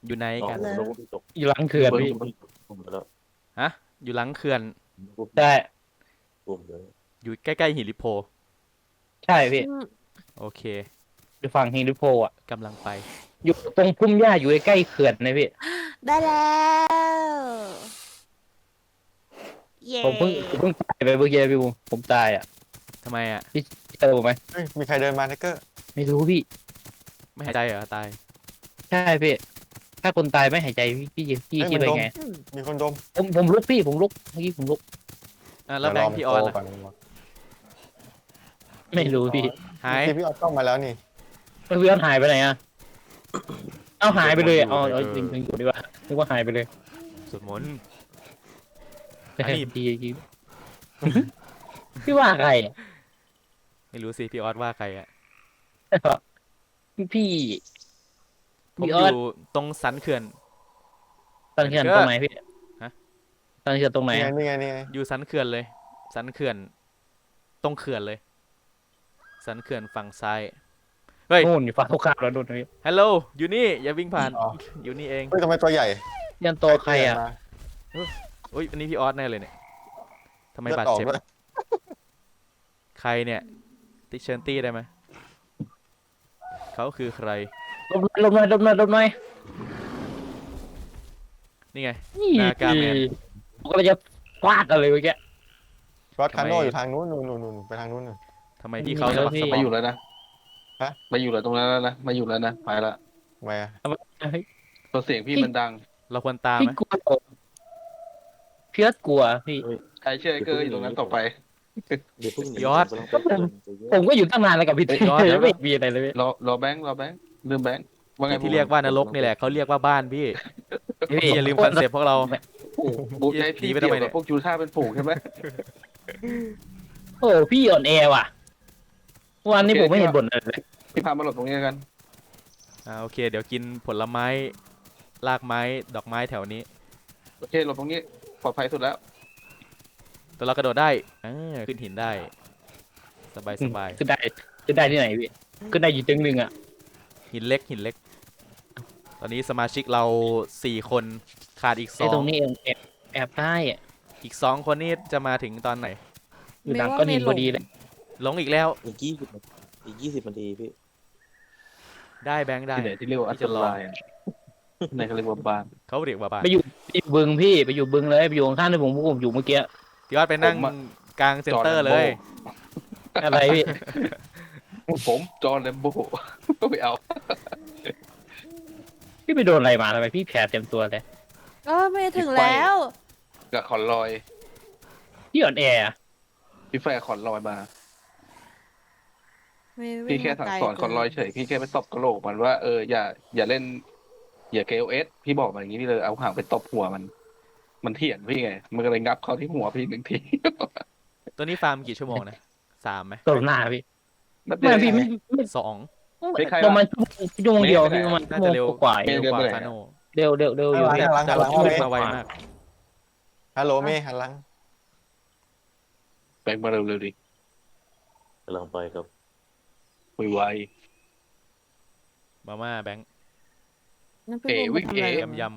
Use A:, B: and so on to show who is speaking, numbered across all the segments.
A: อยู่ไหนกัน
B: แล้ว
C: อยู่หลังเขื่อนพี่
B: ผมแล้ว
A: ฮะอยู่หลังเขื่อน
C: ใช่
B: ผมเลย
A: อยู่ใกล้ๆหินลิโพ
C: ใช่พี่
A: โอเค
C: อยู่ฝั่งฮิริโพอ่ะ
A: กำลังไป
C: อยู่ตรงพุ่มหญ้าอยู่ใกล้ๆเขื่อนนะพี่
D: ได้แล้วเย้
C: ผมเพิ่งตายไปเมื่อกี้พี่ผมตายอ่ะ
A: ทำไมอ่ะ
C: พี่เจอผมไหม
E: เฮ้ยมีใครเดินมาไทเกอร์
C: ไม่รู้พี่
A: ไม่หายใจเหรอตาย
C: ใช่พี่ ถ้าคนตายไม่หายใจพี่คิดไปไง
E: มีคนดม
C: ผมลุกพี่ผมลุกเมื่อกี้ผมลุก
A: แล้วแบงค์พี่ออน
E: เดี๋ยวร
A: ล่ะ
E: ก่อน
C: ไม่รู้พี่
A: หาย
E: พี่ออนต้องมาแล้วนี่
C: พี่ออนหายไปไหนอ่ะเอาหายไปเลยเอาจริงอยู่ดีกว่านึกว่าหายไปเลย
A: สวดมนต์
C: ไม่
A: อันนี้
C: ใช่พี่พี่ว่าใครอะ
A: ไม่รู้สิพี่ออสว่าใครอ่ะ
C: พี่
A: ผม
C: พี่
A: อ
C: ออส
A: ยู่ตรงสันเขื่อน
C: ตอนเขื่อนตรงไหนพี่
A: ฮะ
C: ตอนเขื่อนตรงไหน
E: นี่ไง
C: อะ
E: นี่ไง
A: อยู่สันเขื่อนเลย สันเขื่อน ตรงเขื่อนเลย สันเขื่อนฝั่งซ้าย เฮ้ย
C: นู่นอยู่ฝั่งตรงข้ามแล้วนู่นพี่
A: ฮัลโหล อยู่นี่ อย่าวิ่งผ่าน
E: อ๋อ
A: อยู่นี่เอง
E: เฮ้ยทำไมตัวใหญ่
C: ยันโตใครอ่ะ
A: อุ้ย อันนี้พี่ออสแน่เลยเนี่ยทำไม
E: เลือด
A: บาด
E: ออก
A: เจ็บ
E: ด้วย
A: ใครเนี่ย ติเชิญตี้ได้ไหม เขาคือใคร
C: ลบหน่อย
A: นี่ไง
C: นี่
A: นากาแมน
C: ผมก็เลยจะฟาดอะไรเมื่อกี้
E: รถคาโน่
A: ทำไม
E: อยู่ทางนู้นนู่นไปทางนู้นนู่น
A: ทำไมพี่เขา
C: นี่
A: สะ
C: แล้ว
A: บัก
C: พี่
A: สะบ
F: มา
A: อ
F: อยู่แล้วนะ
E: ฮะ
F: มาอยู่แล้วตรงนั้นแล้วนะ มาอยู่แล้วนะ ไปละ
E: ทำไมอะ
F: ตัวเสียงพี่มันดัง
A: เราควรตาม
C: พี่
A: ไหม
C: กลัวพี่เอิร์ธกลัวพี่
F: ใครเชื่อไอ้เกอร์อยู่ตรงนั้นต่อไป
B: เดี๋ยวเพิ่งหนี
A: ยอด
B: ผมกำลังไปเตือน
C: ผมก็อยู่ตั้งนานแล้วกับพี่
A: เฮ้ยยอด
C: ไม่มีอะไรเลยพี่
F: รอแบงค์ลืมแบงค์ว่าไง
A: ที่เรียกว่านรกนี่แหละเขาเรียกว่าบ้านพี่ พี่อย่าลืมคอนเซ็ปต์พวกเรา
F: บูใจพี่
A: หนีไป
F: เกี่
A: ทำไม
F: ยว
A: เนี่
F: กับ
A: ย
F: พวกจูท่าเป็นฝูงใช่ไหม
C: โอ้พี่อ่อนแอว่ะวันนี้ผมไม่เห็นบ่นอะไรเลย
F: พี่พามาหลบตรงนี้กัน
A: โอเค เดี๋ยวกินผลไม้ รากไม้ ดอกไม้แถวนี้
F: โอเคหลบตรงนี้ปลอดภัยสุดแล้ว
A: ตัวเรากระโดดได้ขึ้นหินได้ สบายสบาย
C: ขึ้นได้ที่ไหนพี่ขึ้นได้อยู่ตึงหนึ่งอ่ะ
A: หินเล็กหินเล็ก ตอนนี้สมาชิกเรา4 คนขาดอีก
C: ไอ้ตรงนี้เองแอบได้อ่ะ
A: อีก2 คนนี่จะมาถึงตอนไหน
C: อยู่หลังก้อนหินพอดีเลย
A: หลงอีกแล้ว
B: อีก 20 นาทีพี่
A: ได้แบงค์ได้
F: ที่ไหนที่เรียกว่าอันตรายอะที่ไหนเขาเรียกว่าบ้าน
A: เขาเรียกว่าบ้าน
C: ไปอยู่บึงพี่ไปอยู่บึงเลยไปอยู่ข้างๆที่ผมอยู่เมื่อกี้
A: พี่ออดไปนั่งกลางเซ็นเตอร์เลย
C: อะไรพี่
F: ผมจอห์นแลมโบ้ก็ไปเอา
C: พี่ไปโดนอะไรมาทำไมพี่แผลเต็มตัวเลย
D: ไม่ถึงแล้ว
F: กับขอนลอย
C: พี่อ่อนแออะ
F: พี่แฟร์ขอนลอยมา
D: ไม่
F: พี่แค่สั่งสอนขอนลอยเฉยพี่แค่ไปตบกระโหลกมันว่าอย่าเล่นอย่า KOS พี่บอกมันอย่างนี้พี่เลยเอาหางไปตบหัวมันเถียนพี่ไงมันก็เลยงับเข้าที่หัวพี่1 ที
A: ตัวนี้ฟาร์มกี่ชั่วโมงนะ3ไหม
C: ตบหน้าพี่
F: นัดเดี
C: ไม่
F: ยว
C: พี่
F: เอง
C: ไม่
A: 2
F: ไม่ใครวะ
C: ประมาณชั่วโมงเดียวพี่ประมาณ
A: น่า
C: ชั่ว
A: จะ
C: โม
A: เร็ว
C: งกว่าๆ
A: เร็วกว่าคาโน
C: เร็วอยู่พี่
E: หันหลัง
A: แต่
E: หันห
A: ร
E: ลั
A: ถ
E: ง
A: พุ่ง
E: เมย์
A: มาไวมาก
E: ฮัลโหลเมย์หันหลัง
F: แบงค์มาเร็วๆดิ
B: กำลังไปครับ
F: ไว
A: มาม่าแบงค์
D: นั่นเป็น
F: เอ๋
D: วง
F: วิ่ง
D: ทำอะไร
F: เอ๋
D: กัน
A: ย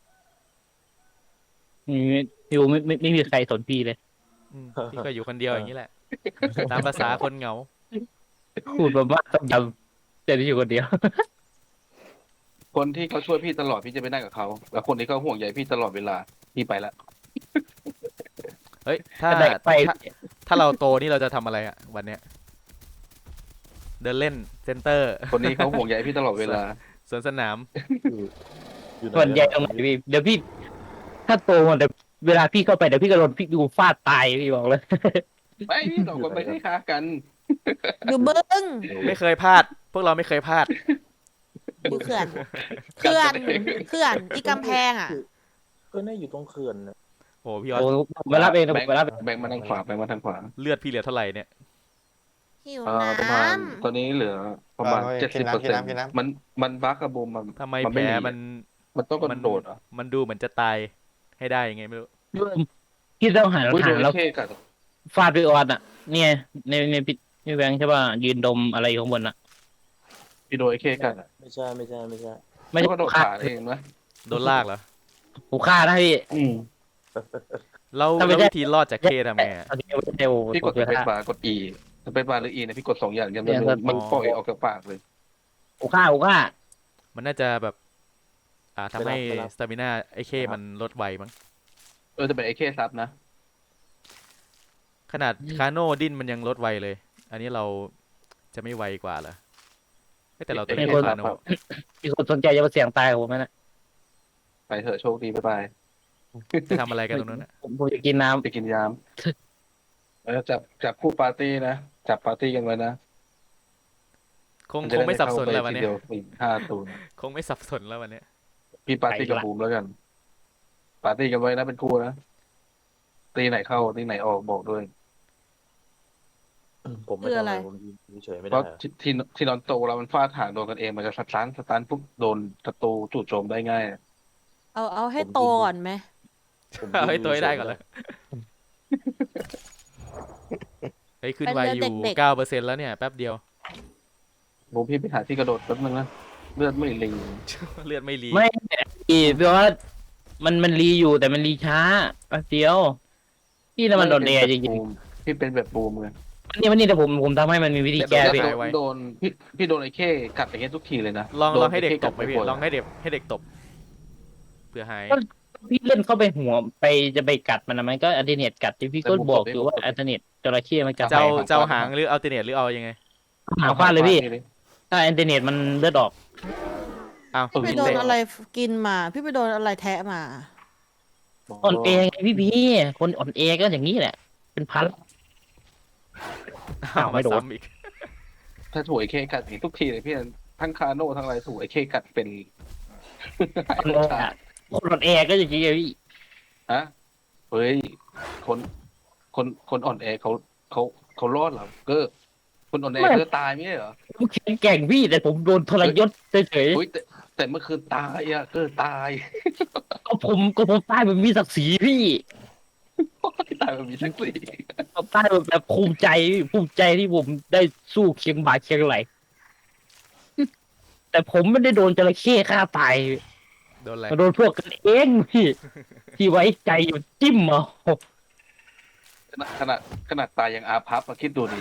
C: อยู่ไม่มีใครสนพี่เลย
A: พี่ก็อยู่คนเดียวอย่างนี้แหละ ตามภาษาคนเหงา
C: พูดประมาณต้องยำแต่ที่อยู่คนเดียว
F: ๆคนที่เขาช่วยพี่ตลอดพี่จะไปนั่งกับเขาแล้วคนที่เขาห่วงใยพี่ตลอดเวลาพี่ไปละ
A: เฮ้ย ถ้า
C: แต่ไป
A: ถ้าเราโตนี่เราจะทำอะไรอ่ะ วันเนี้ย เดินเล่นเซ็นเตอร์
F: คนนี้เขาห่วงใยพี่ตลอดเวลา
A: สวนสนาม
B: อยู่ไหน
C: ส่วนใหญ่ตรงไหนพี่เดี๋ยวพี่ ถ้าโตมาแต่เวลาพี่เข้าไปเดี๋ยวพี่ก็โดนพี่ดูฟาดตายพี่บอกเลย
F: ไม่พี่สองคนไปให้ค้ากัน
D: อยู่บึ้ง
A: ไม่เคยพลาด พวกเราไม่เคยพลาด
D: อยู่เขื่อนเขื่อนอีกำแพงอ่ะ
B: ก็น่าอยู่ตรงเขื่อนน่ะ
A: โอ้พี่ออส
C: โอ้ผมไปรับเองนะ
F: แบ
C: ผ
F: ง
C: ม
F: ค์
C: ไปรับเอง
F: แบงค์มาทางขวาแบงค์มาทางขวา
A: เลือดพี่เหลือเท่าไหร่เนี่ย
D: หิว
F: ประ
D: น้
F: มาณตอนนี้เหลือประมาณ 70%มันบั๊กกับบูมมัน
A: ทำไม
F: มัน
A: แผ
F: ไม่
A: ล
F: หนี
A: มัน
F: ต้องกระโดดเหรอ่ะ
A: มันดูเหมือนจะตายให้ได้ยังไงไม่รู้
C: พี่ต้องหัน
F: อุ้ย
C: หา
F: โด
C: ง
F: น
C: แล้ว
F: เท่กัด
C: ฟาดไปออนอ่ะ เนี่ยในพี่แบงค์ใช่ป่ะยืนดมอะไรอยู่ข้างบนอ่ะ
F: พี่โดนไอ้เข้กัดอ่ะ
B: ไม่ใช่
C: ไม่
F: แล้ว
C: ใช่
F: ก็โดด
C: ฆ่า
F: ขาเองนะ
A: โดนลากเหรอ
C: ผมฆ่านะพี่
F: อืม
A: แล้ว
C: ถ้าไม่
A: แล้ว
C: ใช่
A: วิธีรอดจากเคทำไงอะ
C: เอาเทล
F: พี่กด
C: ผม
F: ส
C: จะ
F: เปซ
C: ฆ่า
F: บาร์กด E สเปซบาร์หรือ E เนี่ยพี่กด2 อย่างเดียว
C: เนี่ย
F: มัน
A: อ๋อ
F: ปล่อยออกจากปากเลย
C: ผมฆ่า
A: มันน่าจะแบบทำให้
B: ไม่รับ
A: สตามิน่าไอ้เคมันลดไวมั้ง
F: จะเป็นไอเคซับนะ
A: ขนาดคาโน่ดิ้นมันยังลดไวเลย อันนี้เราจะไม่ไวกว่าเหรอเฮ้ยแต่เราตัว
F: ไม่
A: นี้
F: คน
A: คาโน่
C: มีคนสนใจจะมาเสี่ยงตายกับผมไหมนะ
F: ไปเถอะโชคดีบ๊ายบาย
A: จะทำอะไรกันตรงนั้นน่ะ
C: ผมจะกินน้ำ
F: ไปกินยามแล้วจับคู่ปาร์ตี้นะจับปาร์ตี้กันไว้นะ
A: คงไม่สับสนแล้ววันเนี้ย
F: เดียวอีก5 ตัว
A: คงไม่สับสนแล้ววันเนี้ย
F: พี่ปาร์ตี้กับบูมแล้วกัน ปาร์ตี้กันไว้นะเป็นคู่นะตีไหนเข้าตีไหนออกบอกด้วย
B: ผมไม่
D: คือ
B: ทำ
D: อะไร
B: ผมยืนเฉยไม่
F: เพ
B: ได้
F: ราะ
B: อะ
F: ที่นอนโตเรามันฟาดหางโดนกันเองมันจะสตันปุ๊บโดนศัตรูจู่โจมได้ง่าย
D: เอาให้โตก่อนไหม
B: ผม
A: เอาให้
B: ยืน
A: ตัวให้ได้
B: ฉๆ
A: ก่อน
B: ม่
A: เลยเฮ้ยขึ้น
D: เป็น
A: ไว
D: เรื่
A: อ
D: อง
A: ยู่
D: เด็ก
A: 9%แล้วเนี่ยแป๊บเดียว
F: บูมพี่ไปหาที่กระโดดแป๊บนึงนะเลือดไม่ลิง
A: เลือดไม่รี
C: ไม่เพราะว่ามันรีอยู่แต่มันรีช้าแป๊บเดียวพี่น่ะมันโดนเดจริง
F: พี่เป็นแบบบูมไง
C: ๆนี่แต่ผมทำให้มันมีวิธีแก้
F: แต่
C: พี่
F: โดนพี่โดนไอ้เข้กัดอย่างเงี้ยทุกทีเลยนะ
A: ลอง
F: โดน
A: ให้เด็ก
F: ไอ้
A: ต
F: เข้
A: บไหม
F: กัด
A: พี่
F: บ่อยๆ
A: ลองให้เด็กตบเพื่อหาย
C: พี่เล่นเข้าไปหัวไปจะไปกัดมันนะมันก็อัลเทอร์เนตกัดที่พี่ก็บอกอยู่ว่าอัลเทอร์เนตจระเข้มันกัด
A: เจ้า
C: ไป
A: เจ้าหางหรืออัลเทเนตหรือเอายังไง
C: หางฟาดเลยพี่ถ้าอัลเทอร์เนตมันเลือดออก
A: อ้าว
D: ไปโดนอะไรกินมา พี่ไปโดนอะไรแทะมา
C: อ่อนแอไงพี่คนอ่อนแอก็อย่างนี้แหละ เป็นพัน
A: อ้าว
C: ไม่
A: มา
C: โดน
A: ซ้ำอีก
F: ถ้าถูกไอ้เข้กัดอย่างงี้ทุกทีเลยพี่ทั้งคาโน่ทั้งอะไรถูกไอ้เข้กัดเป็น
C: อ่อนแอคนอ่อนแอก็อย่างนี้ไงพี่
F: ฮะเฮ้ยคนอ่อนแอเขารอดเหรอเกอร์คนอ่อนแอเขาจะตายไม่ใช่เหรอ
C: ผมแข็งแกร่งพี่แต่ผมโดนทรยศเฉย
F: เฮ้ยแต่เมื่อคืนตายอะเกอร์ตาย
C: ๆก็ผมตายแบบมีศักดิ์ศรีพี่
F: ตายมันมีสักสี
C: ผมตายแบบภูมิใจที่ผมได้สู้เคียงบ่าเคียงไหล แต่ผมไม่ได้โดนจระเข้ฆ่าตาย
A: โดนอะไร
C: มาโดนพวกกันเองที่ไว้ใจอยู่จิ้มเอา
F: ขนาดตายยังอาพับมาคิดดูดิ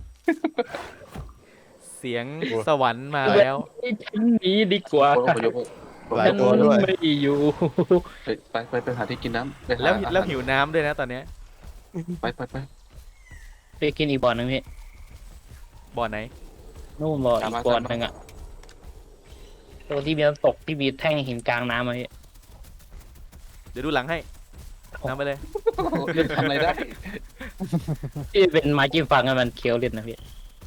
A: เสียงสวรรค์มาแล้ว
C: ฉันหนีดีกว่า
F: คนอพยพ
E: หลาย
C: ฉัน
E: ตัวด้วย
C: ไม่อยู่
F: ไปหาที่กินน้ำไปหา
A: แล้ว
F: อาหาร
A: แล้วหิวน้ำด้วยนะตอนเนี้ย
F: ไป
C: ไปกินอีกบ่อนึงพี่
A: บ่อไหน
C: นู่นบ่ออีกบ่อนึงอ่ะตรงที่มีน้ำตกที่มีแท่งหินกลางน้ำอะพี่
A: เดี๋ยวดูหลังให้นำไปเลย
F: ทำอะไรได้
C: ที่เป็นไม้จิ้มฟังให้มันเคี้ยวเล่นนะพี่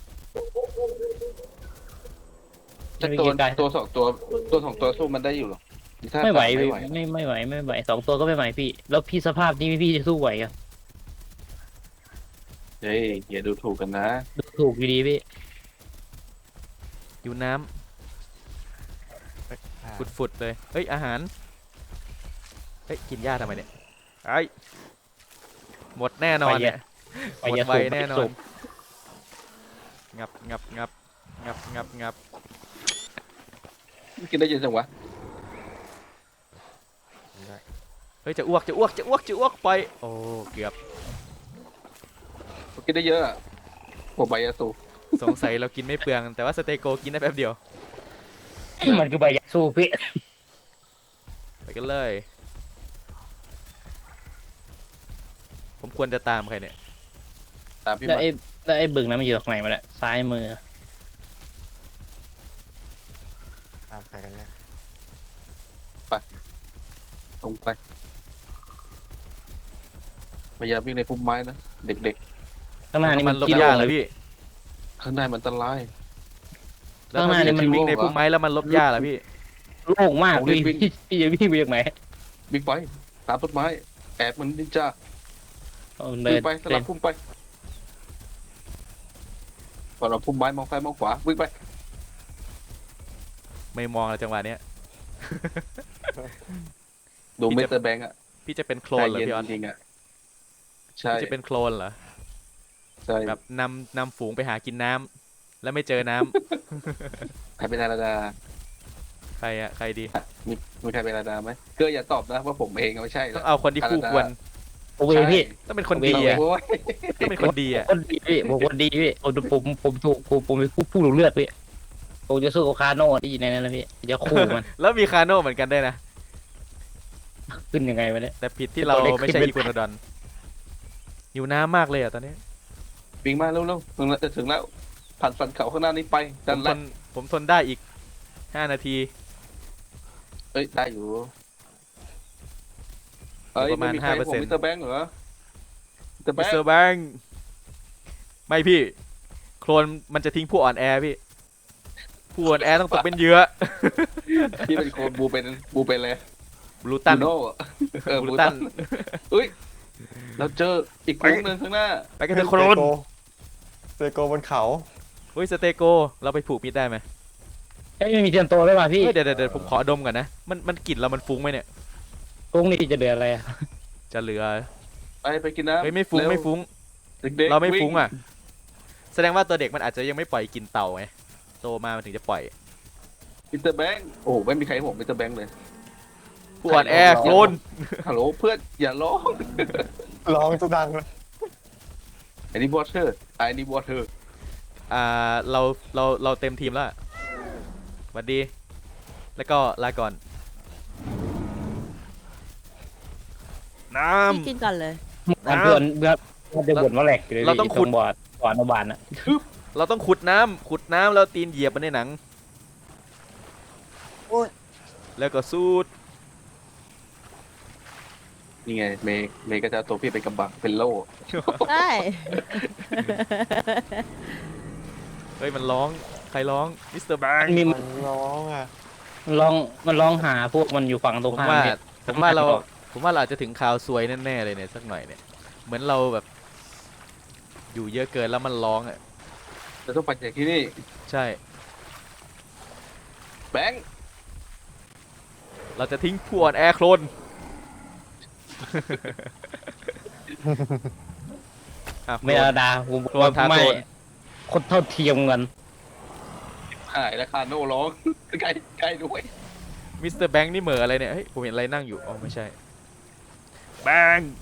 F: แต่ตัวสองตัวสู้มันได้อยู่หรอถ้า
C: ไม่ไหว
F: ไม่
C: พี่
F: ไหว
C: ไม่ไหวสองตัวก็ไม่ไหวพี่ แล้วพี่สภาพนี้พี่จะสู้ไหวอ่ะ
F: เฮ้ยอย่าดูถูกกันนะ
C: ดูถูกอยู่ดีพี่
A: อยู่น้ำฝุดๆเลย เฮ้ยอาหาร เฮ้ยกินหญ้าทำไมเนี่ยไอ้หมดแน่นอนเนี่ย
C: ไป
A: หมด
C: ยา
A: ไว
C: สูบ
A: แน่นอ
C: สู
A: น
C: บ
A: งับ
F: กินได้เยอะจังวะ
A: เฮ้ยจะอ้วกไป โอ้เกือบ
F: กินได้เยอะอะผมใบยาสูบ
A: สงสัยเรากินไม่เปลือง แต่ว่าสเตโกกินได้แป๊บเดียว
C: มันคือใบยาสูบพี่
A: ไปกันเลย ผมควรจะตามใครเนี่ย
F: ตามพี่
C: แล้ว
F: มา
C: ไอ้บึงนั้นมันอยู่ตรงไหนมาเนี่ยซ้ายมือ
E: ตามใครกันเนี่ย
F: ตรงไปพยายามวิ่งในพุ่มไม้นะเด็ก
C: ข้างหน้านี่
A: มั
C: มัน น
A: ลบ
C: ขี้
A: ห
C: โล่
A: ญ้าง เหร
C: เล
A: อย พี่
F: ๆข้างในมันอันตราย
A: แล้ว
C: ข้างห
A: ถ้า
C: น้านี่
A: พี่
C: มัน
A: วิ่งในพุ่มไม้แล้วมันลบหญ้าเหรอพี่
C: โล่งมาก
F: ผมรี
C: พี่
F: บวิ่ง
C: พี่จะวิ่งไปจากไหน
F: วิ่งไปตามต้นไม้แอบมันนินจา
C: เอาเดิ
F: วิ่
C: น
F: งไปสลับพุ่มไปก่อนเราพุ่มไม้มองซ้ายมองขวาวิ่งไป
A: ไม่มองแล้วจังหวะเนี้ย
F: ดู
A: พี่
F: มิ
A: จะ
F: สเตอร์แบงค์อะ
A: พี่จะเป็นโคล
F: ใจ
A: นเหรอ
F: เย็น
A: พี่ออส
F: จริงๆอะใช่
A: พี่จะเป็นโคลนเหรอ
F: ใช่
A: แบบนำฝูงไปหากินน้ำแล้วไม่เจอน้ำ
F: ใครเป็นนาราดา
A: ฮใครอะใครดี
F: มีใครเป็นอาดาไหมเก็อย่าตอบนะว่าผมเองไม่ใช่
A: ต้อ
F: นะ
A: งเอาคนที่คู่ควร
C: โอเคพี่
A: ต้องเป็นคนดีอะ
F: โอ้ย
A: ต้องเป็นคนดีอะ
C: คนดีพี่ผมคนดีพี่ผมถูกผมเป็นผู้รู้เลือดพี่ผมจะสู้กับคาโน่ที่อยู่ในนั้นนะพี่จะคู่มัน
A: แล้วมีคาโน่เหมือนกันได้วยนะ
C: ขึ้นยังไงวะเนี่ย
A: แต่ผิดที่เราไม่ใช่อีโกนดอนหิวน้ำมากเลยอะตอนนี้
F: วิ่งมาเร็วๆถึงแล้วจะถึงแล้วผ่านสันเขาข้างหน้านี้ไป
A: ผ
F: ดัน
A: มท
F: ละ
A: นผมทนได้อีก5 นาที
F: เอ้ยได้อยู่เอ้ย
A: ประมาณ
F: ไใครผม
A: 5%
F: มิสเตอร์แบงค์เหรอมิสเตอร์แบ
A: มิ
F: ง
A: ส
F: ค์
A: เตอร์แบงค์ไม่พี่ โคลนมันจะทิ้งผู้อ่อนแอพี่ ผู้อ่อนแอต้องตกเป็นเหยื่อ
F: ที่เป็นโคนบูเป็นเลย
A: บลูตัน
F: บูโน่เออบ
A: ลู
F: บู
A: ตั
F: ตั
A: น
F: นเอ้ยเราเจออีกกลุ่มหนึ่งข้างหน้า
A: ไปกันเถอะโคลน
E: เซโกบนเขา
A: เฮ้ยสเตโกเราไปผูกมิดได้ไหม
C: ไม่มีเทียนโตได้ป่ะพี่
A: เฮ้ยเดี๋ยวผมขอดมก่อนนะมันกลิ่นเรามันฟุ้งไหมเนี่ย
C: ตรงนี้จะเดือดอะไรอะ
A: จะเหลือ
F: ไปกินน้ำ
A: เฮ้ยไม่ฟุ้ง
F: เร็ว
A: ไม่ฟุ้ง
F: เด็กๆ
A: เราไม่
F: วิ่
A: ฟุ้งอ่ะ แสดงว่าตัวเด็กมันอาจจะยังไม่ปล่อยกลินเต่าไงโตมามันถึงจะปล่อย
F: มิสเตอร์แบงค์โอ้ไม่มีใครให้ผมมิสเตอร์แบงค์เลย
A: ผู้อ่อนแอโคลน
F: ฮัลโหลเพื่อนอย่าร้อง
E: ร้องจะดังเลย
F: I need water I need water
A: เราเต็มทีมแล้วอะสวัสดี แล้วก็ลาก่อน น้
D: พี่กินก่อนเลย
C: เพื่อนจะบ่นว่าแหลกอยู่เลย
A: เราต้องขุด
C: บอร์ดก่อนอนุบาลอะ
A: ำเราต้องขุดน้ำแล้วตีนเหยียบมันในหนัง
E: โอ้ย
A: แล้วก็สูด
F: นี่ไงเมย์ก็จะเอาตัวพี่เป็นกำบังเป็นโล่
D: ได้
A: เฮ้ยมันร้องใครร้องมิสเตอร์แบง
C: มันมี
E: มันร้องอ่ะ
C: มันลองหาพวกมันอยู่ฝั่งตรง
A: ผม
C: ข้าม
A: ว่า
C: พี่
A: ผมว่าเราอาจจะถึงข่าวซวยแน่ๆเลยเนี่ยสักหน่อยเนี่ยเหมือนเราแบบ อยู่เยอะเกินแล้วมันร้องอ่ะ
F: จะต้องไปจากที่นี่
A: ใช่
F: แบงค์
A: เราจะทิ้งผู้อ่อนแอโคลน อ่ะโคล
C: ไม่
A: น
C: เอาดาผม
A: โคลนทา
C: ไม่
A: โคลน
C: คนเท่าเทียมกัน
F: หายแล้วคาโน่ร้อง ใกล้ด้วย
A: มิสเตอร์แบงค์นี่เหม่ออะไรเนี่ยเฮ้ยผมเห็นอะไรนั่งอยู่อ๋อไม่ใช่แบงค์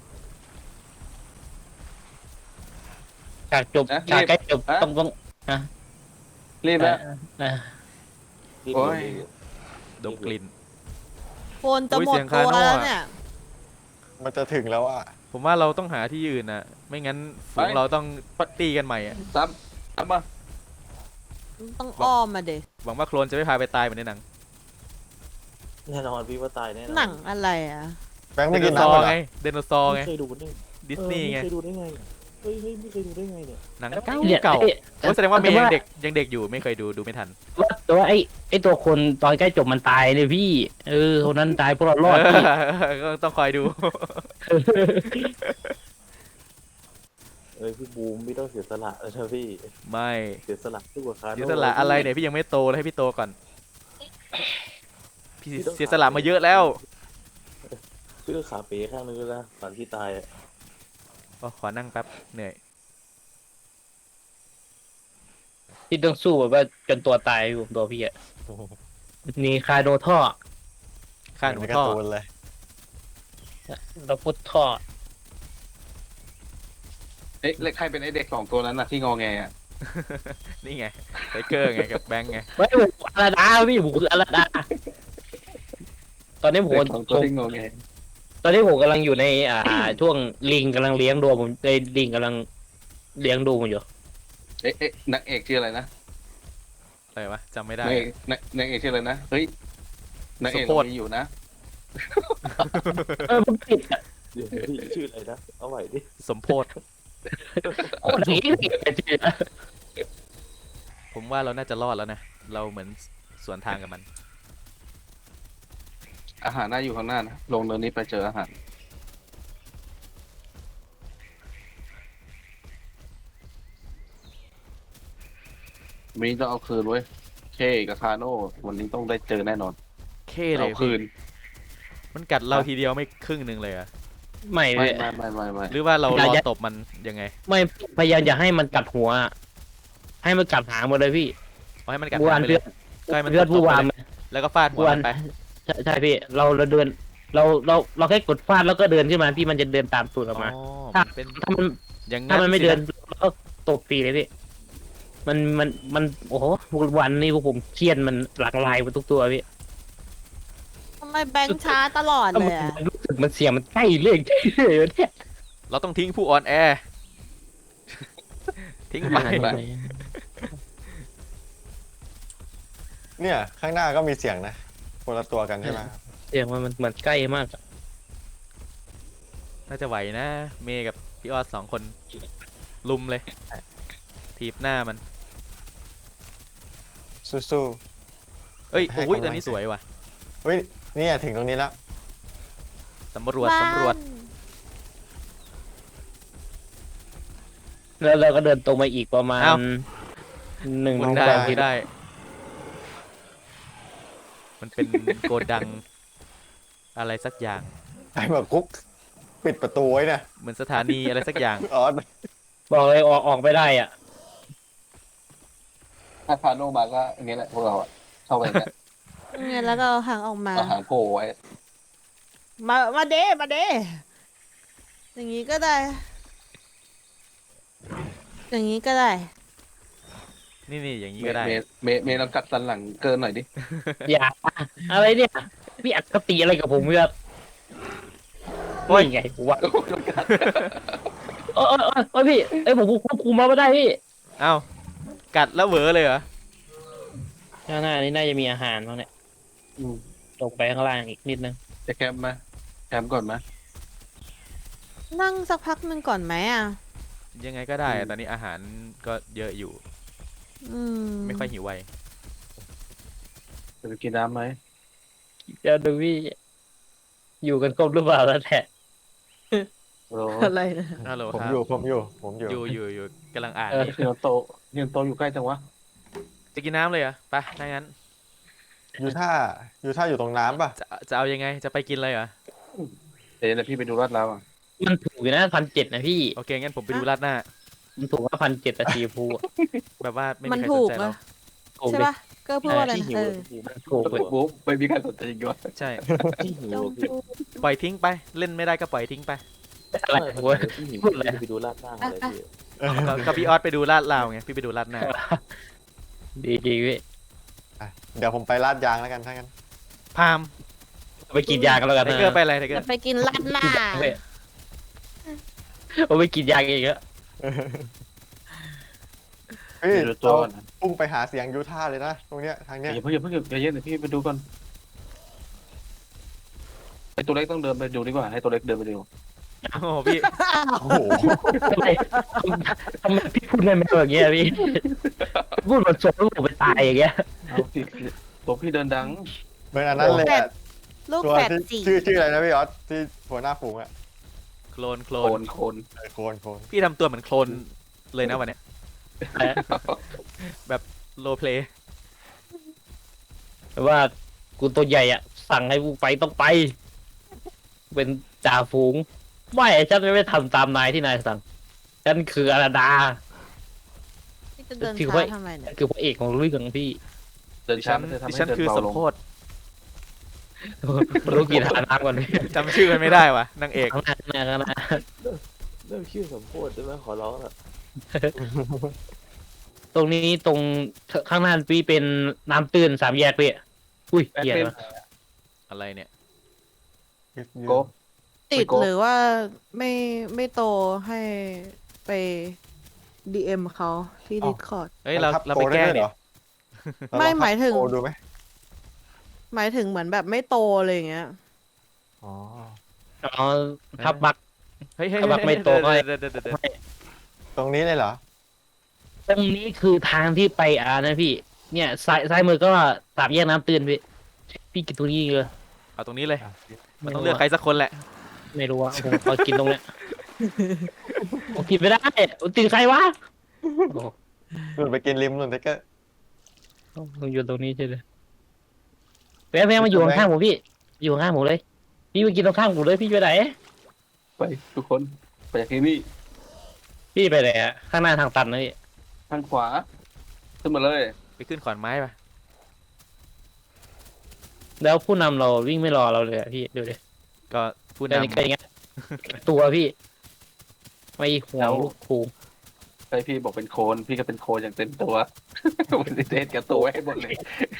C: ฉากจบฉากใกล้จบต้อง
F: รีบแล้ว
C: เอ่อ
B: รีบ
F: โอ้ย
A: ดมกลิ่น
D: โคนจะหม
A: อุ๊
D: ด
A: ยเสียง
D: ตัว
A: คาโน่
D: แล้ว
A: อะ
D: เนี่ย
E: มันจะถึงแล้วอ่ะ
A: ผมว่าเราต้องหาที่ยืนนะไม่งั้นฝูงเราต้องตีกันใหม่อะ
F: ซ้ำมา
D: ต้องอ้อมมาเด
A: หวังว่าโคลนจะไม่พาไปตายเหมือนในหนัง
B: แน่นอนพี่ว่าตายแน่นอน
D: หนังอะไรอ่ะ
E: แบงค์
A: ได
E: ไม่
A: โน
E: กิน
A: เสา
E: น้ำ
A: ร์
E: เหร
A: ไง
E: อ
A: ไดโนเสาร์ไง
B: ไม่เคยดูนี่
A: ดิสนีย์ไง
B: ไม่เคยดูได้ไงเฮ้ยไม่เคยดูได้ไงเนี่ย
A: หนังเก่า
C: เนี่ย
A: เก่า
C: เอ้ย
A: โอ้แสดงว่าเมย์
C: แต่
A: ยังเด็กอยู่ไม่เคยดูไม่ทัน
C: แต่ว่าไอ้ตัวคนตอนใกล้จบมันตายเลยพี่คนนั้นตายพวกเรารอดพี่
A: ก็ต้องคอยดู
B: พี่บูมไม่ต้องเสียสละแล้วนะพี่
A: ไม่
B: เสียสละดีกว่าคาโน่
A: เสียสละอะไรเนี่ยพี่ยังไม่โตเลยให้พี่โตก่อนพี่เสียสละมาเยอะแล้ว
B: พี่ก็ขาเป๋ข้างนึงแล้วนะตอนที่ตายอะ
A: อ๋อขอนั่งแป๊บเหนื่อย
C: ที่ต้องสู้แบบว่าจนตัวตายอยู่ตัวพี่อะนี่คาโดท่อ
A: ข้าหนู
E: เหมือนใน
A: ท่อ
E: การ์ตูนเลย
C: เราพุทท่อ
F: เอ๊ะแล้วใครเป็นไอเด็กสองตัวนั้นน่ะที่งอแงอ่ะ
A: นี่ไงไทเกอร์ไงกับแบงค์ไง
C: ไม่ผมอาราดาพี่ผมคืออาราดาตอนนี้ผม
F: เด็กสองตัวที่งอแง
C: ตอนนี้ผมกำลังอยู่ในช่วงลิงกำลังเลี้ยงดูผมในลิงกำลังเลี้ยงดูผมอยู่
F: เอ๊ะนางเอกชื่ออะไรนะ
A: อะไรวะจำไม่ได้
F: นางเอกชื่ออะไรนะเฮ้ยนางเอก
A: สมโพธิ
F: เรามีอยู่นะ
C: ผมติดอะ
B: เดี๋ยวพี่ชื่ออะไรนะเอาใหม่ดิ
A: สมโพธ
C: โคตรนี้ติดอะ
A: ผมว่าเราน่าจะรอดแล้วนะเราเหมือนสวนทางกับมัน
F: อาหารน่าอยู่ข้างหน้านะลงเนินนี้ไปเจออาหารมีต้องเอาคืนเว้ยเคกับคาโน่วันนี้ต้องได้เจอแน่นอน
A: เคเล
F: เอา
A: ย
F: คืน
A: มันกัดเราทีเดียวไม่ครึ่งหนึ่งเลยอะ
C: ไม่
F: ไม่
C: พี่
F: ไม่
A: หรือว่าเรา
C: อย่าร
A: อ
C: อย่า
A: ตบมันยังไง
C: ไม่พยายามอย่าให้มันกัดหัว ให้มันกัดหางหมดเลยพี่
A: เอาให้มันกัด
C: ผู้วาน
A: ไปเล
C: เพื่
A: ย
C: อน
A: ก็ให้มัน
C: เพื่อน
A: ตบ
C: ผู้วาน
A: ไปเลยแล้วก็ฟาดหัว
C: วั
A: มัน นไป
C: ใช่พี่เราเดินเราแค่กดฟาดแล้วก็เดินขึ้นมาพี่มันจะเดินตามตูดออกมา
A: อ๋อ
C: ถ้า
A: มันเป็น
C: ถ้ามัน
A: อย่าง
C: ถ้ามันไม่
A: สิ
C: เดิน
A: นะ
C: เราก็ตบตีเลยพี่มันโอ้โหวันนี้พวกผมเครียดมันหลากหลายไปทุกตัวพี่
D: ทำไมแบงค์ช้าตลอดเลยอะ
C: รู้สึกมันเสียงมันใกล้เรื่อยเนี่ย
A: เราต้องทิ้งผู้ออนแอร์ ทิ้งไป
E: เนี่ย ข้างหน้าก็มีเสียงนะคนละตัวกันใช่ไหม
C: เสียงมันเหมือนใกล้มากอะ
A: น่าจะไหวนะ เมย์กับพี่ออส2 คน ลุมเลย ถีบหน้ามัน
E: สู้
A: เอ้ย
E: ให้
A: โอ้ย
E: กำลัง
A: ตัวนี้สวยว่ะ
E: ๆเฮ้ยเนี่ยถึงตรงนี้แล้ว
A: สำรวจสำรวจ
C: แล้วเราก็เดินตรงมาอีกประมาณ
A: อ้าว
C: หนึ่ง
A: หมุ
C: ส
A: น
C: อง
A: ได้
C: สาม
A: หมุ
C: ที
A: นได้ มันเป็นโกดัง อะไรสักอย่าง
E: ไอ้แบบคุกปิดประตูไว้เนี่ย
A: เหมือนสถานีอะไรสักอย่าง
E: อ๋อ
C: บอกเลยออกไม่ได้อ่ะ
F: ถ้าคาโนมาก็อย่างเงี้ยแหละพวกเราอะเข้าไปเนี่ย
D: เนี่ยแล้วก็เอาหางออกมา
F: เอาหางโผล่ไว้
D: มาเด้มาเด้อย่างนี้ก็ได้ อย่างนี้ก็ได้
A: นี่อย่างนี้ก็ได้
F: เมย์ลองกัดสันหลังเกินหน่อยดิ
C: อย่าอะไรเนี่ยพี่อคติอะไรกับผมเนี่ย
A: โอ้ย
C: นี่ไงกูว่าเออพี่ผมควบคุมมาไม่ได้พี่
A: เอ้า กัดแล้วเหวอเลยเหรอ
C: ข้างหน้านี้น่าจะมีอาหารบ้างเนี่ย
F: อืม
C: ลงไปข้างล่างอีกนิดนึง
F: จะแคมป์มาแคมป์ก่อนมา
D: นั่งสักพักหนึ่งก่อนไหมอ่ะ
A: ยังไงก็ได้อะตอนนี้อาหารก็เยอะอยู่
D: อืม
A: ไม่ค่อยหิวไว
F: จะไปกินน้ำไหม
C: เดี๋ยวดูพี่อยู่กันครบหรือเปล่าแล้วแหละ
F: โอ้โห
D: อะไรนะ
A: ฮัลโหล
E: ผม
A: ครับ
E: อยู่
A: กำลังอ่าน
F: พี่โนโตอยู่ใกล้จังวะ
A: จะกินน้ำเลยเหรอไปถ้างั้น
E: อยู่ท่าอยู่ตรงน้ำป่ะ
A: จะเอายังไง จะไปกินเลยเหรอ
F: เดี๋ยวพี่ไปดูลาดเราอ่ะ
C: มันถูกอยู่นะ1,700นะพี่
A: โอเค งั้นผมไปดูราดหน้า
C: มันถูกว่า1,700แต่สีฟูอะ
A: แบบว่าไม่
D: มัน
A: มีใคร
D: ถู
A: สน
D: ก
A: ใจเรา
D: อะ
C: ถูก
D: ใช่
C: ดิ
D: ปะก็พูดว่าอะไร
B: ที่
D: นะ
B: หิว
D: เออ
C: ถูกเลย
F: บุ๊บไม่มีใครสนใจจริงวะ
A: ใช่
B: ที่หิว
D: จง
B: พี่
D: พูด
A: ปล่อยทิ้งไป เล่นไม่ได้ก็ปล่อยทิ้งไป
C: อะไร
B: ไม่
C: เว้ย
B: ที่หิว
C: พูดเลย
B: ไปดูลาดหน้าอะไรพี่
A: ก็พี่ออสไปดูลาดลาวไง พี่ไปดูลาดหน้า
C: ดีพี่
E: อ่ะเดี๋ยวผมไปลาดยางแล้วกันถ้างั้น
A: พาม
C: ไปกินยากันแล้วกัน
A: ไท
C: นะ
A: เกอร์ไปอะไรไทเกอ
D: จะ
A: ร์
D: ไปกินราดหน้า
C: เอาไปกินยากันอีกแล้ว
E: เฮ้ย
F: ไปดูตัว
E: เรา
F: ก่อนนะ
E: พุ่งไปหาเสียงยูท่าเลยนะตรงเนี้ยทางเนี้ย
F: อย่าเพิ่งใจเย็นเดี๋ยวพี่ไปดูก่อนไอตัวเล็กต้องเดินไปดูดีกว่าให้ตัวเล็กเดินไปดู
A: โอ้โหพี่
E: โอ้โห
C: ทำไมพี่พูดได้ไหมแบบเงี้ยพี่พูดเหมือนสมลูกผมไปตายอย่างเงี้ย
F: เอาพี่ตัวพี่เดินดัง
E: เหมือนอันนั้นเลยอะ
D: ลูก
E: ตัว
D: แฝด
E: ที่
D: สี่
E: ชื่ออะไรนะพี่ออสที่หัวหน้าฝูงอะ
A: โคลน
F: โคน
E: โคน
A: พี่ทำตัวเหมือนโคลนเลยนะวันเนี้ยโลเพลย์
C: แต่ว่ากูตัวใหญ่อ่ะ สั่งให้กูไปต้องไป เป็นจ่าฝูง ไม่ฉันไม่ทำตามนายที่นายสั่งฉันคืออาราดา
D: ที่จะเดิน
C: ถือ
D: ช้า
C: ว่า
D: ทำไมเนี่ย
C: คือพระเอกของเรื่องพี่
F: เดิน
A: ดิ
F: ช้า
A: ฉัน
F: ไม่ได้ทำ
A: ดิ
F: ให้
A: ฉัน
F: เดิน
A: คือ
F: เบา
A: สม
F: ลง
A: โพธ
C: รู้กี่ทาน้ำก่อนพี่
A: จำชื่อมันไม่ได้ว่ะนางเอก
C: ข้างหน้าข้างหน้า
B: เริ่มชื่อสมโพธิได้ไหมขอร้องอะ
C: ตรงนี้ตรงข้างหน้าพี่เป็นน้ำตื้น3 แยกพี่อุ้ยเหี้ยนะ
A: อะไรเนี่ย
F: โก
D: ติด
F: ไปโกะ
D: หรือว่าไม่โตให้ไป DM เขาที่ Discord
A: เฮ้ยเราไปแกล้งเนี่ย
D: ไม่หมายถึง
E: โดูไหม
D: หมายถึงเหมือนแบบไม่โตเลยอย่างเงี้ย
E: อ๋อ
C: อ๋อทับบัก
A: เฮ้ยเฮ้ย
C: ถ้าบักไม่โตก็
A: เดี๋ยว
E: ตรงนี้เลยเหรอ
C: ตรงนี้คือทางที่ไปนะพี่ เนี่ยซ้ายมือก็3 แยกน้ำตื้นพี่กินตรงนี้เลย
A: เอาตรงนี้เลย มันต้องเลือกใครสักคนแหละ
C: ไม่รู้ว่าผมขอกินตรงเนี้ยผมกินไม่ได้ติดใครวะโอ้
E: นู่นไปกินริมนู่นไทเกอร์
C: ผมอยู่ตรงนี้ใช่เลยแม่มาอยู่ข้างๆผมพี่อยู่ข้างๆผมเลย พี่มากินตรงข้างผมเลยพี่ไปไหน
F: ไปทุกคนไปจากที่นี่
C: พี่ไปไหนอะข้างหน้าทางตันนะพี่
F: ทางขวาขึ้นมาเลย
A: ไปขึ้นขอนไม้ปะ
C: แล้วผู้นำเราวิ่งไม่รอเราเลยอะพี่ดูดิ
A: ก็ผู้
C: แต่นี่
A: นำ
C: ก็อย่างเงี้ยตัวพี่ไม่ห่วงลูกครู
F: ใช่พี่บอกเป็นโคลนพี่ก็เป็นโคลนอย่างเต็มตัว มันเทศกับตัวให้หมดเลย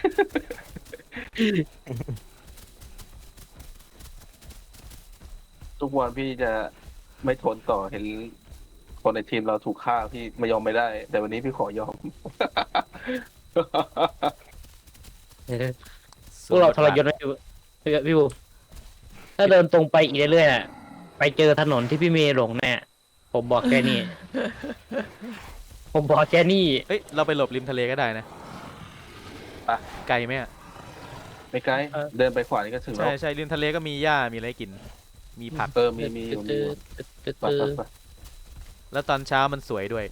F: ทุกวันพี่จะไม่ทนต่อเห็นคนในทีมเราถูกฆ่าพี่ไม่ยอมไม่ได้ แต่วันนี้พี่ขอยอม
C: พวกเราทรยศไหมพี่บูถ้าเดินตรงไปอีกเรื่อยๆอะไปเจอถนนที่พี่เมย์หลงแน่ผมบอกแค่นี้ ผมบอกแค่นี้
A: เอ้ยเราไปหลบริมทะเลก็ได้นะ
F: ไป
A: ไกลไหมอะ
F: ไม่ไกลเดินไปขวานี่ก็ถึงแล้
A: ใช่
F: ว
A: ใช่ริมทะเลก็มีหญ้ามีอะไรกิน มีผัก
F: มีอยู่มีอยู่ไปไปไป
A: แล้วตอนเช้ามันสวยด้วย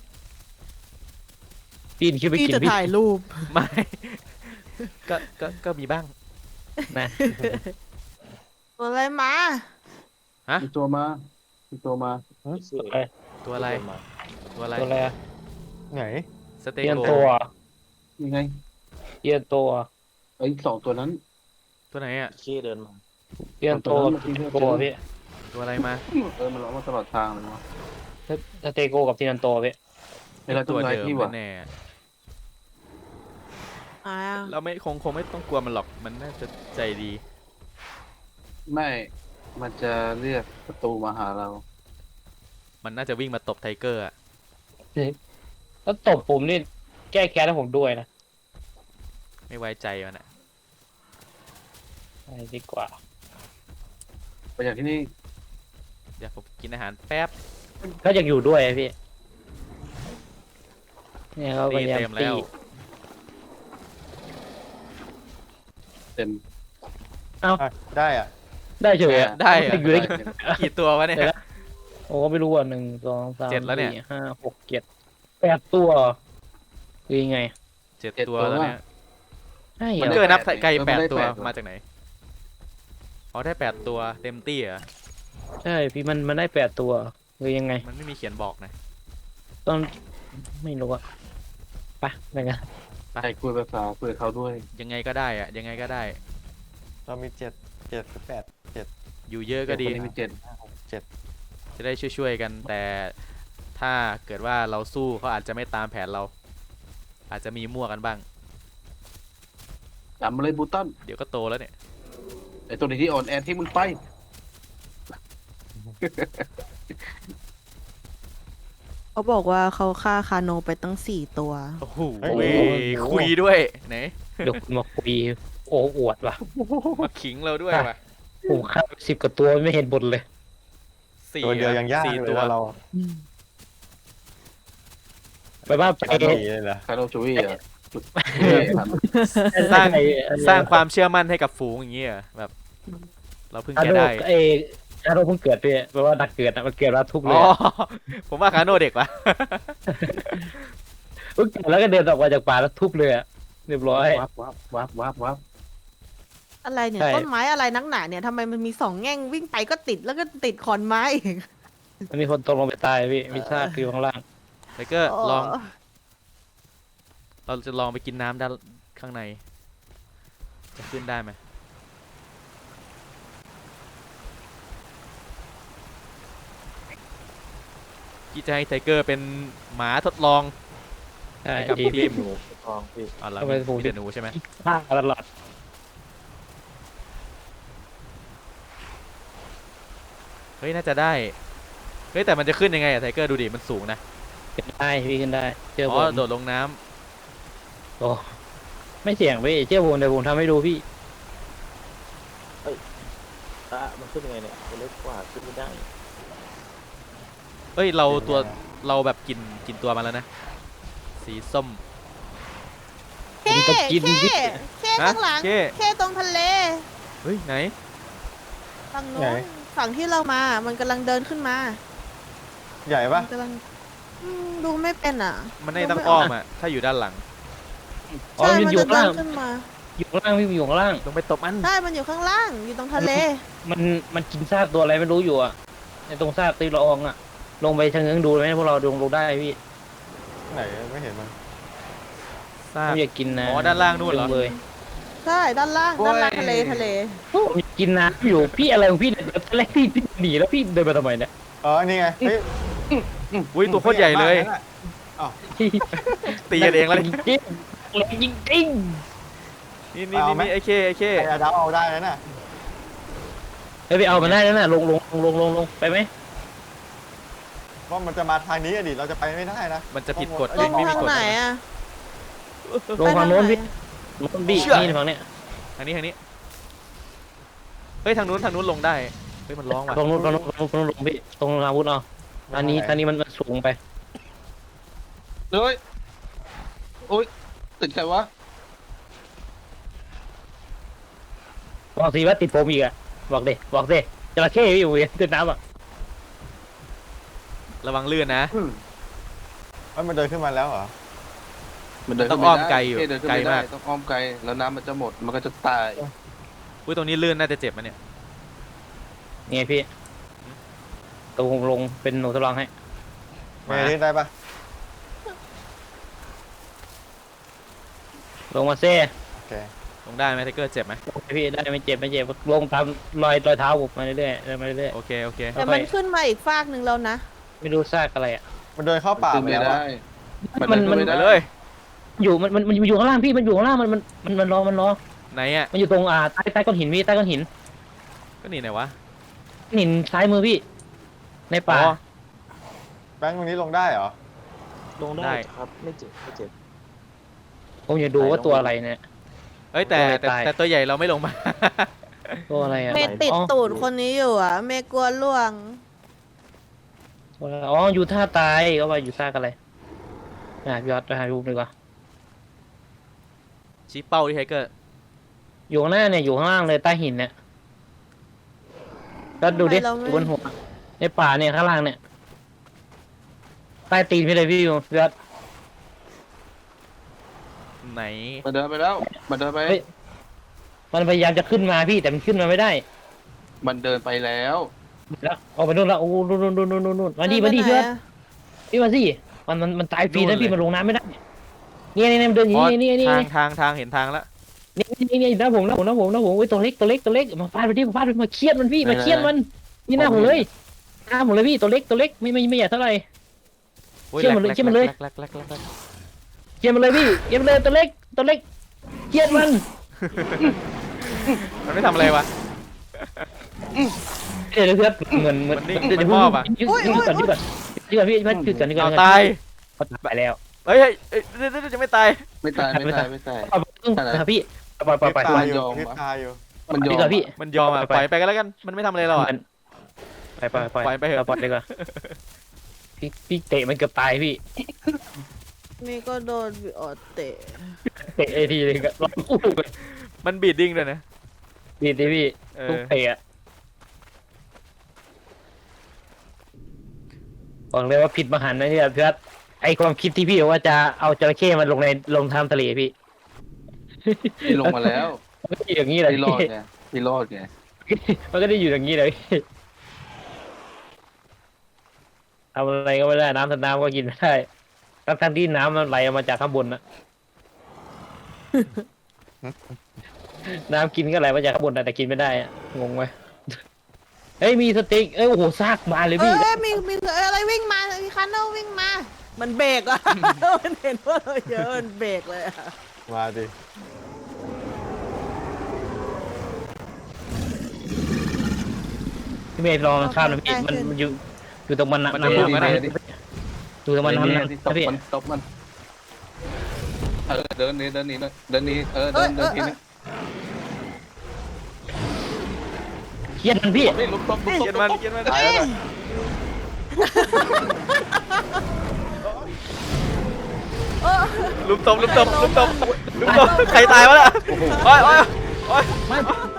C: ปีนขึ้นไป
D: พี่
C: กิน
D: จะ
C: พี่
D: ถ่ายรูป
A: ไม่ ก็มีบ้าง
C: นะ
D: ตัวอะไรมา
F: มีตัวมามีตัวมา
A: ตัวอะไร ตัวอะไร
C: ตัวอะไรอะ
E: ไหน
A: สเต
C: เยียน
A: โก
C: ตัว
F: ยังไง
C: เยียนตัว
F: ไอ้สองตัวนั้น
A: ตัวไหนอะ
B: ขี้เดินมา
C: เยียนตัวกับทีนันโตพี่
A: ตัวอะไรมา
F: มันร้องมาตลอดทางเลยวะ
C: สเตโกกับทีนันโตพี่
F: ไม่ได้ต้
A: ตั
F: อง
A: ว
F: ไล่
A: เดิม
F: พี่วะ
A: แน่
D: อ่า
A: เราไม่คงไม่ต้องกลัวมันหรอก มันน่าจะใจดี
F: ไม่มันจะเรียกประตูมาหาเรา
A: มันน่าจะวิ่งมาตบไทเกอร์อะ
C: แล้วตบผมนี่แก้แค้นให้ผมด้วยนะ
A: ไม่ไว้ใจมันอะ
C: ไปดีกว่า
F: ไปอย่างที่นี่
A: เดี๋ยวผมกินอาหารแป๊บ
C: ก็ยังอยู่ด้วยอะพี่เนี่ยเขาพ
A: ตี
C: ยายาม
A: เต็ม
C: ตี
A: แล้ว
F: เต็ม
E: อ่ะได้อ่ะ
C: ได้เฉยอะ
A: ได้อะ
C: อยู่ด้วยกัน
A: กี่ตัววะเนี่ย
C: โอ้ไม่รู้อ่ะ1 2 3
A: เจ็ดแล้วเนี่ย
C: 4 5 6 7 8ตัวคือยังไง
A: 7 ตัวแล้วเนี่ย
C: ใช่เหร
A: มัน
C: อ
A: เกิดนับไกล
F: มันไม่ได้
A: 8 ตัว
F: แปดตัว
A: มาจากไหน อ๋อได้ 8 ตัวเต็มตี้เหรอ
C: ใช่พี่มันได้8ตัวคือยังไง
A: มันไม่มีเขียนบอกนะ
C: ต้องไม่รู้อะไปกัน
F: ไปคุยภาษาคุยกับเขาด้วย
A: ยังไงก็ได้อะยังไงก็ได้
E: เรามี7 7 หรือ8 7
A: อยู่เยอะก็ดี
F: คนนี้มีเจ็ด
E: 7
A: จะได้ช่วยๆกัน แต่ถ้าเกิดว่าเราสู้เขาอาจจะไม่ตามแผนเรา อาจจะมีมั่วกันบ้าง
F: ตามมาเลยบูตัน
A: เดี๋ยวก็โตแล้วเนี่ย
F: ไอ้ตัวนี้ที่อ่อนแอที่มึงไป
D: เขาบอกว่าเขาฆ่าคาโนไปตั้ง4 ตัว
A: โอ้โหคุยด้วยไหน
C: เดี๋ยวคุณมาคุยโอ้อวดว่ะ
A: มาขิงเราด้วยว่ะ
C: ผมฆ่า10 กว่าตัวไม่เห็นบนเลย
A: สี่
E: ตัวเดียวยังยาก
A: สี่
E: เลย
A: ตัว
E: นะเรา
C: ไปบ้านไป
E: ตอนนี้เลยเหรอ
F: คาโนจูวี่อ่ะ
A: สร้าง
C: ไอ้
A: สร้างความเชื่อมั่นให้กับฝูงอย่างเงี้ยเหรอแบบ เราเพิ่ง
C: คา
A: แก้
C: โด
A: ได้
C: ไอ้คาโดเพิ่งเกิดพี่แปลว่าดักเกิดอะมันเกิดแล้วทุบเล
A: อ๋
C: ย
A: อ
C: อะ
A: ผมว่าคาโน่เด็กว่ะ
C: เพิ่งเกิดแล้วก็เดินออกมาจากป่าแล้วทุบเลยอะเรียบร้อย
F: วับวับวับวับวับ
D: อะไรเนี่ย
C: ใช่
D: ต้นไม้อะไรนักหนาเนี่ยทำไมมันมี2 แง่งวิ่งไปก็ติดแล้วก็ติดขอนไม้อีก
C: มันมีคนตกลงไปตายพี่มีซากอยู่ข้างล่าง
A: ไทเกอร์ลอง เราจะลองไปกินน้ำด้านข้างใน จะขึ้นได้ไหมกี่จะให้ไทเกอร์เป็นหมาทดลอง
C: ใช่
A: กับ
C: ที
A: ที
C: พี่
A: ม
B: หนูทองพี่
A: อ๋อแล้ว
C: ทำไมผม
A: มีแต่หนูใช่ไหม
C: ฆ่าตลอด
A: เฮ้ยน่าจะได้ เฮ้ยแต่มันจะขึ้นยังไงอะไทเกอร์ดูดิมันสูงนะ
C: ขึ้นได้พี่ขึ้นได้เชื่อ
A: อ๋
C: ผ
A: อ
C: ม
A: โดดลงน้ำ
C: โอ้ไม่เสี่ยงพี่เชื่อผมเดี๋ยวผมทำให้ดูพี่
B: มันขึ้นยังไงเนี่ยตัวเล็กกว่าขึ้นไม่ได้
A: เอ้ยเราแบบกินตัวมาแล้วนะ สีส้ม
C: ผมจะกินพี่
D: แค่ข้างหลัง
A: ฮะ
D: แค่ตรงทะเล
A: เฮ้ยไหน
D: ฝั่งโน้นฝั่งที่เรามา มันกำลังเดินขึ้นมา
E: ใหญ่ปะ
D: มันกำลังดูไม่เป็นอ่ะ
A: มันได้ต้องอ้อมอะถ้าอยู่ด้านหลัง
C: อ๋อ
D: ใช่
C: มัน
D: มัน
C: อยู่
D: จะ
C: ข้าง
D: เดิ
C: ล่าน ง
D: ขึ้นมา
C: อยู่ข้างล่างพี่อยู่ข้างล่าง
A: ลงไปตบมัน
D: ใช่มันอยู่ข้างล่าง อยู่ตรงทะเล
C: มันกินซากตัวอะไรไม่รู้อยู่อะในตรงซากตีละอองอะลงไปชะเง้งดูไหมพวกเราลงได้พี่
E: ไหนไม่เห็นมัน
A: ซาก
C: ไม่อยากกินนะ
A: อ๋อด้านล่างนู่นเหรอ
C: เลย
D: ใช่ด้านล่างทะเล
C: ผมกินน้ำอยู่พี่อะไรของพี่เนี่ยตอนแรกพี่หนีแล้วพี่เดินมาทำไมเนี่ย
E: นี่ไงเฮ้ย
A: อุ้ยตัวโคตรใหญ่เลย ตีกันเองแล้ว
C: จริงๆเลยจริง
A: นี่ไอ้เค
E: ใครเอาดาวเอาได้แล้วน่ะ
C: ๆไปเอามาได้แล้วน่ะลงไปไหม
E: ว่ามันจะมาทางนี้อะดิเราจะไปไม่ได้นะ
A: มันจะผิดกฎ
D: ล
A: ลิ
D: ง
A: งไม่มี
D: ทาง
A: กฎ
D: ไหนอ่ะ
C: ลงฝั่งโน้นพี่
D: ไปทางไห
C: โน้นพี่
A: เชื่อ
C: นี่ฝั่งเนี้ย
A: ทางนี้เฮ้ยทางนู้นลงได้เฮ้ยมันร้องว่ะ
C: ตรงนู้นลงพี่ตรงอาวุธเอาอันนี้มันสูงไป
F: เฮ้ยโอ๊ยติดใครวะ
C: บอกสิว่าติดผมอีกอะบอกดิจระเข้อยู่ขึ้นน้ำอ่ะ
A: ระวังลื่นนะ
E: มันเดินขึ้นมาแล้วเหรอ
F: มันเดิน
A: ต้
F: ขึ้
A: อน ง
F: ไม่
A: อ้อม
F: ได้
A: ไกลอยู่
F: เดินขึ้น
A: ไกล
F: ไม่ได้
A: มาก
F: ต้องอ้อมไกลแล้วน้ำมันจะหมดมันก็จะตาย
A: อุ้ยตรงนี้ลื่นน่าจะเจ็บมันเนี่ย
C: นี่ไงพี่ตัวลงเป็นหนูทดลองให้
E: ไม่ได้ปะ
C: ลงมาเซ่
E: โอเค
A: ลงได้ไหมไทเกอร์เจ็บไหม
C: พี่ได้ไม่เจ็บลงตามรอยเท้าผมมาเรื่อยๆเดินมาเรื่อย
A: โอเค
D: แต่มันขึ้นมาอีกฟากหนึ่งแล้วนะ
C: ๆไม่รู้ซากอะไรอ่ะ
E: มันเดินเข้าป่า
F: ขึ้น
E: ไป
F: ไม่
E: แล้ว
F: ได้
E: อะ
F: มันเดินขึ้นไม่
A: ไป
F: ได้
A: เลย
C: อยู่มันอยู่ข้างล่างพี่มันอยู่ข้างล่างมันรอ
A: ไหนอ่ะ
C: มันอยู่ตรงใต้ก้อนหินพี่ใต้ก้อนหิน
A: ก็นี่ไหนวะ
C: หินซ้ายมือพี่ ในป่า
A: อ๋อ
E: แบงค์ตรงนี้ลงได้เหรอ
B: ลง
A: ได้
B: ได้ครับไม่เจ็บ
C: ผมอยากดูว่าตัวอะไรเนี่ย
A: เอ้ยแต่
C: ตาย
A: แต่ตัวใหญ่เราไม่ลงมา
C: ตัวอะไรอ่ะ
D: เมย์ติด
C: อ๋อ
D: ตูดคนนี้อยู่อ่ะ เมย์กลัวล่วง
C: ตัวอะไรอ๋ออยู่ท่าตายก็ว่าอยู่ซากอะไรพี่ยอดไปหาดูดีกว่า
A: ชี้เป้าที่ไทเกอร์
C: อยู่ข้างหน้าเนี่ยอยู่ข้างล่างเลยใต้หินเนี่ยก็ดูดิ
D: ทำไมเราไม่
C: บนหัวในป่าเนี่ยข้างล่างเนี่ยใต้ตีนพี่เลยพี่อยู่พี่ยอด
A: ไหน
F: มันเดินไปแล้วมันเดินไป
C: เฮ้ย มันพยายามจะขึ้นมาพี่แต่มันขึ้นมาไม่ได้
F: มันเดินไปแล้ว
C: แล้วเอาไปนู่นแล้วโอ้นู่นมาดิ
D: ไปไหน
C: พี่ยอด
D: อะ
C: พี่มาสิมันตายฟรีนะพี่มันลงน้ำไม่ได้เนี่ยมันเดินอย่าง
A: อ๋อ
C: นี้นี่
A: ทางเห็นทางแล้ว
C: นี่นะผมโอ้ยตัวเล็กมาฟาดไปดิมาเคียดมันพี่มาเคียดมันนี่หน้าผมเลยหน้าผมเลยพี่ตัวเล็กไม่ใหญ่เท่าไหร่
A: โอ้ย
C: เชื่อมันเลย
A: แรก
C: เชื่อมันเลย
A: แรก
C: เคียดมันเลยพี่เคียดมันเลยตัวเล็กเคียดมัน
A: มันไม่ทำอะไรวะ
C: เดี๋ยวเพื่อนเหมือน
A: มันนิ่ง
C: เดี๋ยว
A: มันมอบอะ
C: ยืดก่อนพี่ยืดก่อนพี่
A: เอาตาย
C: เขาตายแล้ว
A: เฮ้ยจะไม่ตาย
F: ไม่ตายไม่ตายไม่ตาย
C: เอาพี่ปล่อย
E: ตายอยู่
F: ยอม
E: พิษตายอยู่
F: มันยอ
C: ดี
F: ม
C: กว่าพี่
A: มันยอมอ่ะปล่อยไปกันแล้วกันมันไม่ทำอะไรเราอ่ะ
C: ไปเถอะ
A: ปล่อย
C: ดีกว่าพี่เตะมันเกือบตายพี่
D: เมย์ก็โดนบิออดเตะ
C: เตะทีเลยก็ร้องอู้
A: มันบีดดิ้งด้วยนะ
C: ดีพี่
A: เอ
C: ทุ
A: อก
C: เตะบอกเลยว่าผิดมหันต์นะพี่เพื่อนไอความคิดที่พี่บอกว่าจะเอาจระเข้มันลงทำทะเลพี่
F: พี่ลงมาแล้ว
C: มันก็อยู่อย่างนี้เลย
F: พี่รอดไงพี่รอดไง
C: มันก็ได้อยู่อย่างนี้เลยทำอะไรก็ไม่ได้น้ำก็กินไม่ได้ทั้งที่น้ำมันไหลออกมาจากข้างบนนะ น้ำกินก็ไหลมาจากข้างบนนะแต่กินไม่ได้อะงงไหมเฮ้ยมีสติ๊กโอ้โหซากมาเลย
D: เอ้
C: พี่
D: ยมีอะไรวิ่งมามีคันเนอร์วิ่งมา มันเบรกอ่ะ มันเห็นว่าเราเยอะมันเบรกเลยอ่ะ
E: มาดิ
C: พี่เมย์ลองข้ามนะพี่มันอยู่ตรงมันนะ
A: มันจะพุ่งกันได้
C: อยู่ตรงมัน
F: นี่
C: น้ำ
F: ที่ต
C: นะ
F: บ
C: พี่
F: มันตบมันเดินนี้ทีนี้เดินทีนี้
C: เครียดมันพี่
F: นี่ลุกตบ
A: เกียนมัน
E: ตายแล้วนะ
D: เออ
A: ลุมตบใครตายวะล่ะโอ้ย
C: ไม่